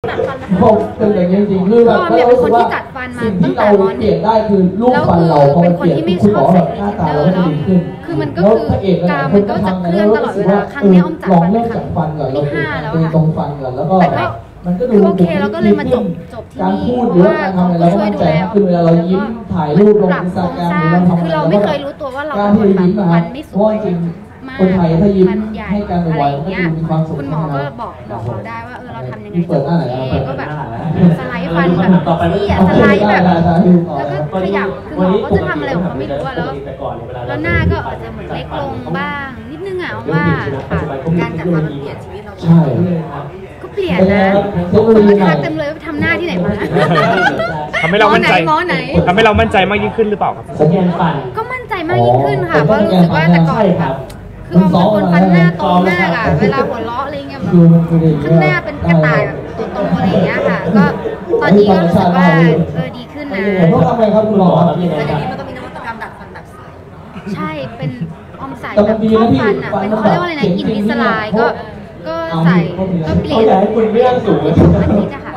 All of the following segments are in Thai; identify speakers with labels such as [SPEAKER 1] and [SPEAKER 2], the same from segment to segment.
[SPEAKER 1] ผมเป็นอย่างนี้จริงๆคือแบบเรารู้สึกว่าสิ่งที่เราเปลี่ยนได้คือรูปฟันเราพอมันเปลี่ยนคุณหมอแบบหน้าตาเราก็ดีขึ้น
[SPEAKER 2] คือมันก็คือกามมันก็จะเคลื่อนตลอดเวลาครั้งนี้อ้อมจัดฟันเป็นครั้งที่5แล้วค่ะ
[SPEAKER 1] ตรงฟันก่อนแล้วก็มันก็ดู
[SPEAKER 2] โอเคเราก็เลยมาจบที่
[SPEAKER 1] การ
[SPEAKER 2] นี่
[SPEAKER 1] พูดหรือว่าการทำอะไรเราก็มั่นใจขึ้นเวลาเรายิ้มถ่ายรูปลง Instagram หรือเราทำอะไร
[SPEAKER 2] คือเราไม่เคยรู้ตัวว่าเราเป็นคนแบบฟันไม่สวยมาก
[SPEAKER 1] คนไทยถ้ายิ้ม
[SPEAKER 2] มันใหญ่
[SPEAKER 1] ให้การ
[SPEAKER 2] อะไร
[SPEAKER 1] ไว
[SPEAKER 2] อย่าง
[SPEAKER 1] ก็
[SPEAKER 2] เงี้ย
[SPEAKER 1] จะมีความสุข
[SPEAKER 2] คุณหมอก็บอกเราได้ว่าเราทำยังไง
[SPEAKER 1] เปิดหน้าไหน
[SPEAKER 2] ก็แบบสไลด์ฟันแบบที่สไลด์แบบแล้วก็ขยับคือหมอก็จะทำอะไรของเขาไม่รู้อะแล้วหน้าก็อาจจะเหมือนเล็กลงบ้างนิดนึงอะว่าค่ะการจัดฟันมันเปลี่ยนชีวิตเรา
[SPEAKER 1] ใช่
[SPEAKER 2] ก็เปลี่ยนนะคนก็ทักเต็มเลยว่าทำหน้าที่ไหนมา
[SPEAKER 3] ทำให้เรามั่นใจ
[SPEAKER 2] หมอไหน
[SPEAKER 3] ทำให้เรามั่นใจมากยิ่งขึ้นหรือเปล่าครับ
[SPEAKER 4] สแกนฟัน
[SPEAKER 2] ก็มั่นใจมากยิ่งขึ้นค่ะเพราะรู้สึกว่าแต่ก่อนแบบคือเอาเป็นคนฟันหน้าโตมากอะเวลาหัวเราะอะไรเงี้ยแบบข้างหน้าเป็นกระต่ายแบบตัวโตอะไรอย่างเงี้ยค่ะก็ตอนนี้ก็รู้สึกว่าดีขึ้นนะ
[SPEAKER 1] ต้องทำไงครับคุณหมอ
[SPEAKER 2] แต่เดี๋ยวนี้มันก็มีนวัตกรรมดัดฟันแบบใสใช่เป็นออมใส่แบบเข้าฟันอะเป็นเขาเรียกว่าอะไรนะอินวิสไลน์ก็ใส่ก็เปลี่ยนอาทิตย์อะค่ะ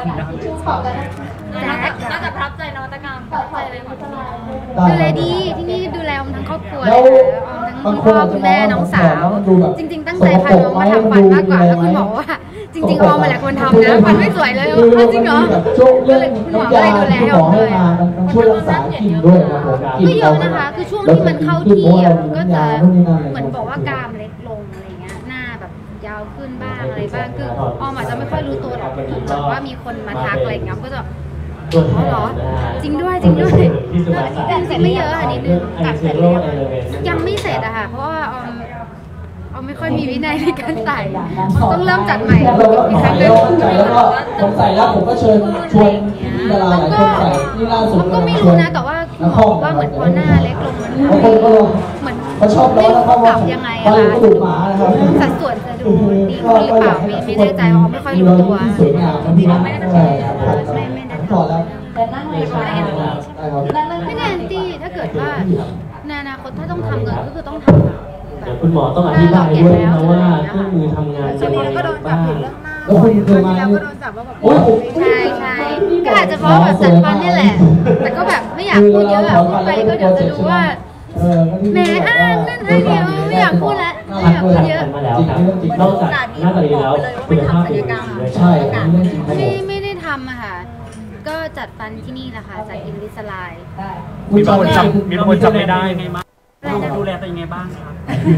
[SPEAKER 5] น่าจะประทับใจนวัตกรรมประทับใจเลยค่ะ
[SPEAKER 2] ดูแลดีที่นี่ดูแลทั้งครอบครัวเลยทั้งคุณพ่อคุณแม่น้องสาวจริงๆตั้งใจพาน้องมาทำฟันมากกว่าแล้วคุณหมอว่าจริงๆออมมาแหละคนทำนะฟันไม่สวยเลยจริงเหรอก็เลยคุณหมอก็เลยดูแลให้ออมเลย
[SPEAKER 1] ช่วยรักษากินด้วยครับผม
[SPEAKER 2] ก็เยอะนะคะคือช่วงที่มันเข้าที่ก็จะเหมือนบอกว่ากรามเล็กลงอะไรเงี้ยหน้าแบบยาวขึ้นบ้างอะไรบ้างคือออมอาจจะไม่ค่อยรู้ตัวหรอกแบบว่ามีคนมาทักอะไรเงี้ยก็จะอ๋อเหรอจริงด้วยจริงด้วยจริงไม่เยอะอันนี้นึงกัดเสร็จแล้วยังไม่เสร็จอะค่ะเพราะว่าออมไม่ค่อยมีวินัยในการใส่ต้องเริ่มจัดใหม่อีกครั้งนึง
[SPEAKER 1] แล้วก็ผมใส่แล้วผมก็เชิญชวนพี่ดาราหลายคนใส่ที่ล่าสุด
[SPEAKER 2] ก็ไม่รู้นะแต่ว่าคุณหมอบอกว่าเหมือนพอหน้าเล็กลงมันเหมือน
[SPEAKER 1] เขาชอบล้อแล้วเขา
[SPEAKER 2] ปรับยังไงอะคะสัดส่วนจะดูดีขึ้นหรือเปล่าไม่แน่ใจออมไม่ค่อยรู้ตัว
[SPEAKER 1] ไม่แน่ใจพอแล้ว
[SPEAKER 4] แต่นั่งเลยค่ะ
[SPEAKER 2] ไม่แน่ที่ถ้าเกิดว่าในอนาคตถ้าต้องทำเงินก็คือต้องทำ
[SPEAKER 4] เดี๋ยวคุณหมอต้องอธิบายด้วยนะว่าเครื่องมือทำงานเป็นยังไงบ้าง
[SPEAKER 1] แล้วคุณเคยมา
[SPEAKER 2] ใช่ใช่ก็อาจจะเพราะแบบจัดฟันนี่แหละแต่ก็แบบไม่อยากพูดเยอะพูดไปก็เดี๋ยวจะดูว่าแหมอ้างนั่นอ้างนี่ไม่อยากพูดแล้วไม่อยากพูดเยอะ
[SPEAKER 4] มาแล้วครับนอกจากหน้าตาดีแล้วคุณภาพเป็นยังไง
[SPEAKER 1] ใช่
[SPEAKER 2] ไม่ได้ทำอะค่ะก็จัดฟันที่นี่แหละค่ะจากอินวิสไลน์
[SPEAKER 3] มีคนจำไม่ได้
[SPEAKER 5] ไงบ้างดูแลตัวยังไงบ้างครับ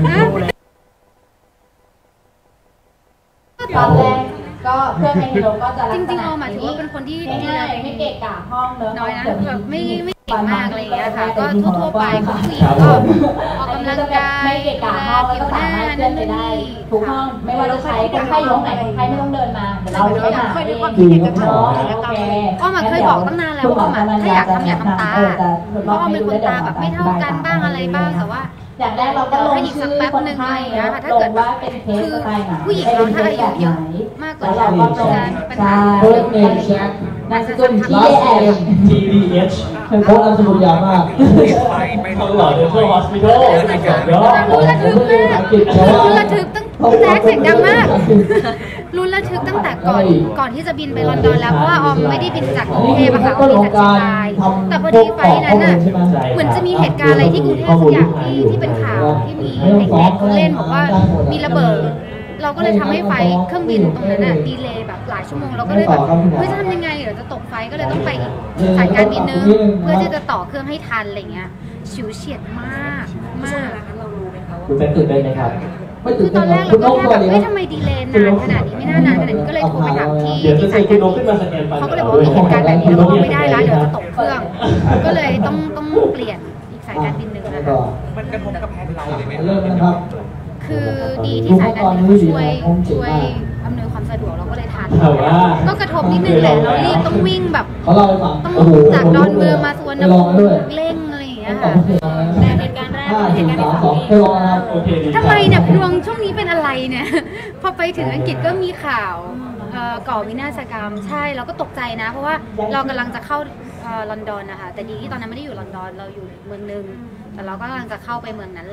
[SPEAKER 4] ตอนแรกก็เพื่อนในโรงก็จะ
[SPEAKER 2] จริงๆออมหมายถึงว่าเป็นคนที่
[SPEAKER 4] ง่ายไม่เกะกะห้องเนอะ
[SPEAKER 2] น้อยนะแบบไม่เก่งมากอะไรอย่างเงี้ยค่ะก็ทั่วๆไปของผู้หญิงก็ออกกำลังกาย
[SPEAKER 4] ไม่เกะกะห้องก็สามารถเลื่อนไปได้ทุกห้องไม่ว่าจะใช้คนไข้ยกไหนคนไข้ไม่ต้องเดินมาเดี๋ยวเราใช้หา
[SPEAKER 2] เคยมีความคิดเห็นกับน้องอ้อมเคยบอกตั้งนานแล้วว่าถ้าอยากทำอยากทำตาเพราะอ้อมเป็นคนตาแบบไม่เท่ากันบ้างอะไรบ้างแต่ว่า
[SPEAKER 4] อย่างแรกเราก็ลงชื่อคนไข้ถ้าเกิดว่าเป็นเคสสไตล์ไหน
[SPEAKER 2] ผู้หญิงเราถ้าอายุเยอะมากกว่าเราก็จะปัญหา
[SPEAKER 1] เพิ่มเอง
[SPEAKER 4] นามสกุล TDH
[SPEAKER 1] โค้ดอันสมุดยาวมาก
[SPEAKER 4] ต้องหล่อเดนทัลฮอสพิทอล
[SPEAKER 2] รุนระทึกมากรุนระทึกตั้งแจ๊กเสียงดังมากรุนระทึกตั้งแต่ก่อนที่จะบินไปลอนดอนแล้วเพราะว่าออมไม่ได้บินจากกรุงเทพอะค่ะออมบินจากเชียงรายแต่พอดีไฟนั้นน่ะเหมือนจะมีเหตุการณ์อะไรที่กรุงเทพสักอย่างที่เป็นข่าวที่มีเด็กๆเขาเล่นบอกว่ามีระเบิดเราก็เลยทำให้ไฟเครื่องบินตรงนั้นน่ะดีเลย์แบบหลายชั่วโมงเราก็เลยแบบเฮ้ยจะทำยังไงเดี๋ยวจะตกไฟก็เลยต้องไปอีกสายการบินนึงเพื่อที่จะต่อเครื่องให้ทันอะไรเงี้ยฉิวเฉียดมาก
[SPEAKER 4] เรารู้ไหมคะว่าคุณเป็นตื่นเต้นไหมครับ
[SPEAKER 2] คือตอนแรกเราก็แค่แบบทำไมดีเลย์นานขนาดนี้ไม่น่านานขนาดนี้ก็เลยโทรไปถามที่สายการบินเขาก็เลยบอกว่ามีเหตุการณ์แบบนี้เราไม่ได้แล้วเดี๋ยวจะตกเครื่องก็เลยต้องเปลี่ยนอีกสายการบินหนึ่งนะคะ
[SPEAKER 3] มันกระทบกับแผนเราเลยไหม
[SPEAKER 1] ครับ
[SPEAKER 2] คือดีที่สายการบินช่วยอำนวยความสะดวกเราก็เลยทันก็กระทบนิดนึงแหละเรารีบต้องวิ่งแบบต้องจากดอนเมืองมาสวนน้ำเร่งอะไรอย่างเงี้ยค่ะแต่เหตุการณ์แรกเหตุการณ์ที่สองทำไมเนี่ยดวงช่วงนี้เป็นอะไรเนี่ยพอไปถึงอังกฤษก็มีข่าวก่อวินาศกรรมใช่เราก็ตกใจนะเพราะว่าเรากำลังจะเข้าลอนดอนนะคะแต่ดีที่ตอนนั้นไม่ได้อยู่ลอนดอนเราอยู่เมืองนึงแต่เราก็กำลังจะเข้าไปเมืองนั้นแหละก็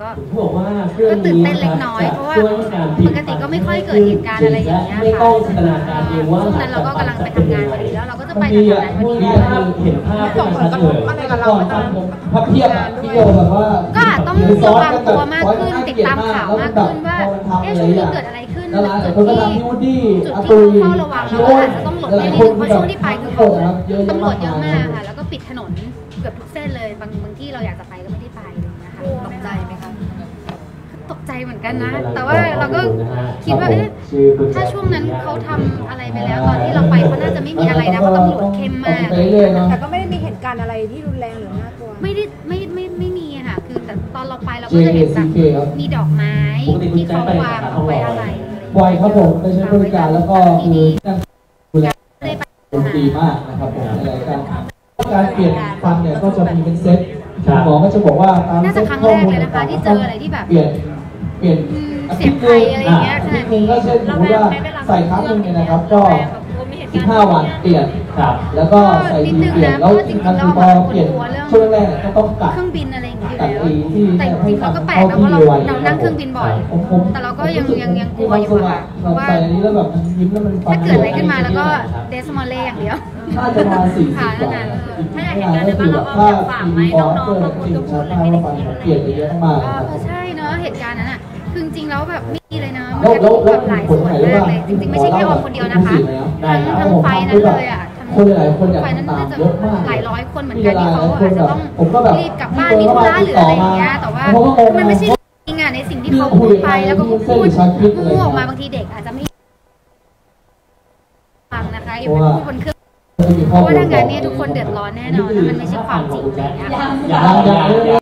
[SPEAKER 2] ก็
[SPEAKER 1] บอกว่าเครื่อง
[SPEAKER 2] ตื่น
[SPEAKER 1] นี้
[SPEAKER 2] เต้นเล็กน้อยเพราะว่าปกติก็ไม่ค่อยเกิดเหตุการณ์อะไรอย่างเงี้ย
[SPEAKER 1] ไม่
[SPEAKER 2] ค่ะ
[SPEAKER 1] ต้องจินตนาการเองว่า
[SPEAKER 2] ช่วงนั้นเราก็กำลังไปทำงานพอดีแล้วเราก็จะไป
[SPEAKER 1] มี
[SPEAKER 2] ทำงานพอดี
[SPEAKER 1] เห็นภาพที่มันชัดเลยก่อนพับเพียบอะพี่โยแบบว่า
[SPEAKER 2] ก็อาจต้องระวังตัวมากขึ้นติดตามข่าวมากขึ้นว่าช่วงนี้เกิดอะไรขึ้น
[SPEAKER 1] แล้ว
[SPEAKER 2] จุด
[SPEAKER 1] คนก็
[SPEAKER 2] ที่
[SPEAKER 1] ทำที่วูดดี้
[SPEAKER 2] จุด
[SPEAKER 1] อา
[SPEAKER 2] ที่
[SPEAKER 1] ตุย
[SPEAKER 2] เฝ้าระวังเราก็อาจจะต้องหลบนิดนึงเพราะช่วงที่ไปคือเขาตำรวจเยอะมากค่ะแล้วก็ปิดถนนเกือบทุกเส้นเลยบางที่เราอยากจะไปก็ไม่ได้ไปอะไรอย่างเงี้ยค่ะตกใจไหมคะตกใจเหมือนกันนะ แต่ว่าเราก็คิดว่าถ้าช่วงนั้นเขาทำอะไรไปแล้วตอนที่เราไปเขาน่าจะไม่มีอะไรนะเพราะตำรวจเข้มมาก
[SPEAKER 6] แต่ก็ไม่ได้มีเหตุการณ์อะไรที่รุนแรงหรือน่ากลัว
[SPEAKER 2] ไม่มีอะค่ะคือแต่ตอนเราไปเราก็จะเห็นแบบมีดอกไม้ที่เขาวางเอาไว้อะไร
[SPEAKER 1] บ่อยครับผมไปใช้บริการแล้วก็คือดูแล
[SPEAKER 2] ได้ไป
[SPEAKER 1] ดีมากนะครับผมอะไรการเปลี่ยนฟันเนี่ยก็จะมีเป็นเซ็ตหมอก็จะบอกว่าตาม
[SPEAKER 2] น่าจะครั้งแรกเลยนะคะที่เจออะไรที่แบบ
[SPEAKER 1] เปลี่ยน
[SPEAKER 2] เสียงไทยอะไรอย่างเงี้ยขนาดนี้
[SPEAKER 1] ก็เช่นสมมติว่าใส่ครั้งหนึงเนี่ยนะครับก็15 วันเปลี่ยนครับแล้วก็ใส่ทีเปลี่ยนแล้วจริงๆพอเปลี่ยนช่วงแรกก็ต้องกัด
[SPEAKER 2] เครื่องบินอะไรอย่างเงี้ย
[SPEAKER 1] กัด
[SPEAKER 2] อยู่
[SPEAKER 1] ที่
[SPEAKER 2] แล้วแต่จริงๆเราก็แปลกนะเพราะเรานั่งเครื่องบินบ่อย แต่เราก็ยังกลัวอยู่ค่ะเพราะว่า
[SPEAKER 1] ใส่อันนี้แล้วแบบยิ้มแล้วมัน
[SPEAKER 2] ถ้าเกิดอะไรขึ้นมาแล้วก็เดสมอลเล่อย่างเดียว
[SPEAKER 1] น่าจะมา40
[SPEAKER 2] ค่ะ
[SPEAKER 1] กว่า
[SPEAKER 2] นั่นน่ะ
[SPEAKER 5] ถ้าอยากเห็นการในบ้านเราเอาอยากฝากไหมน้องๆบางคนก็พูดเลยไม่ได้คิดอะไร
[SPEAKER 1] เปลี่ยนไปเยอะมาก
[SPEAKER 2] ใช่เนอะเหตุการณ์นั้นอ่ะคือจริงๆแล้วแบบไม่มีเลยนะ
[SPEAKER 1] แล้ว
[SPEAKER 2] แบบหลายส่วนมากเลยจริงๆไม่ใช่แค่ออมคนเดียวนะคะทั้งไฟนั้นเลยอ่ะ
[SPEAKER 1] คนหลายคนอยาก
[SPEAKER 2] ไฟนั้น
[SPEAKER 1] ตาม
[SPEAKER 2] น่าจะ
[SPEAKER 1] เยอะมาก
[SPEAKER 2] หลายร้อยคนเหมือนกันที่เขาอาจจะต้องรีบกลับบ้านมีธุระหรืออะไรอย่างเงี้ยแต่ว่ามันไม่ใช่จริงอ่ะในสิ่งที่เขาพูดไปแล้วก็พูดมั่วออกมาบางทีเด็กอาจจะไม่ฟังนะคะอย่าไปพูดบนเครื่องเพราะว่าถ้างั้นเนี่ยทุกคนเดือดร้อนแน่นอนแล้วมันไม่ใช่ความจริงอะไรอย่างเงี้ย
[SPEAKER 1] อย่าง